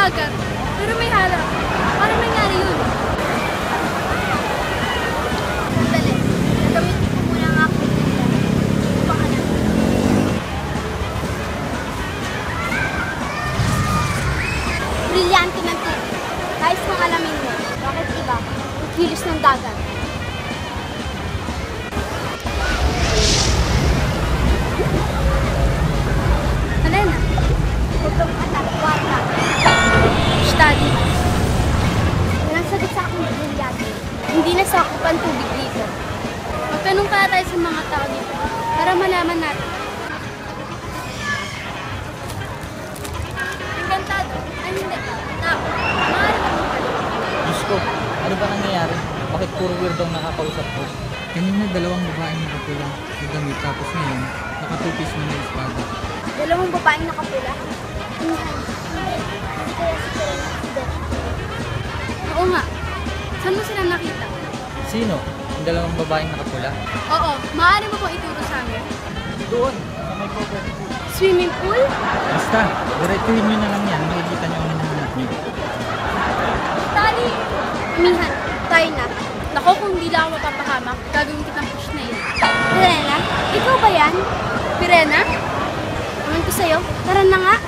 dagat, pero may harap. Paano nangyari yun? Sandali, gagamitin ko muna ang aking bigla. Upang alam. Brilyante ng tubig. Nais mong alamin mo, bakit iba ang kilos ng dagat? Helena, Huwag kang atagwarta. study. Walang sagot sa aking brilyante. Hindi nasakop ang tubig dito. Magtanong kaya tayo sa mga tao dito para malaman natin. Engkantado. Ay hindi. Tao. Maaari ka magtanong. Diyos ko, ano ba nangyayari? Bakit puro weirdo ang nakakausap ko? Kanina dalawang babaeng nakapula na damit tapos ngayon nakatupis na may espada. Dalawang babaeng nakapula. Inihan. Hindi kaya si Perena si Doc. Oo nga. Saan mo sila nakita? Sino? Yung dalawang babaeng nakapula? Oo. Maaari mo bang ituro sa amin? Doon, sa may cover. Swimming pool? Basta, diretsuhin nyo na lang yan, makikita nyo ang hinahanap nyo. Tali! Amihan, tayo na. Nako, kung hindi lang ako mapapahamak, gagawin kitang push na yun. Perena, ikaw ba yan? Pirena? Naman ko sa'yo, tara na nga.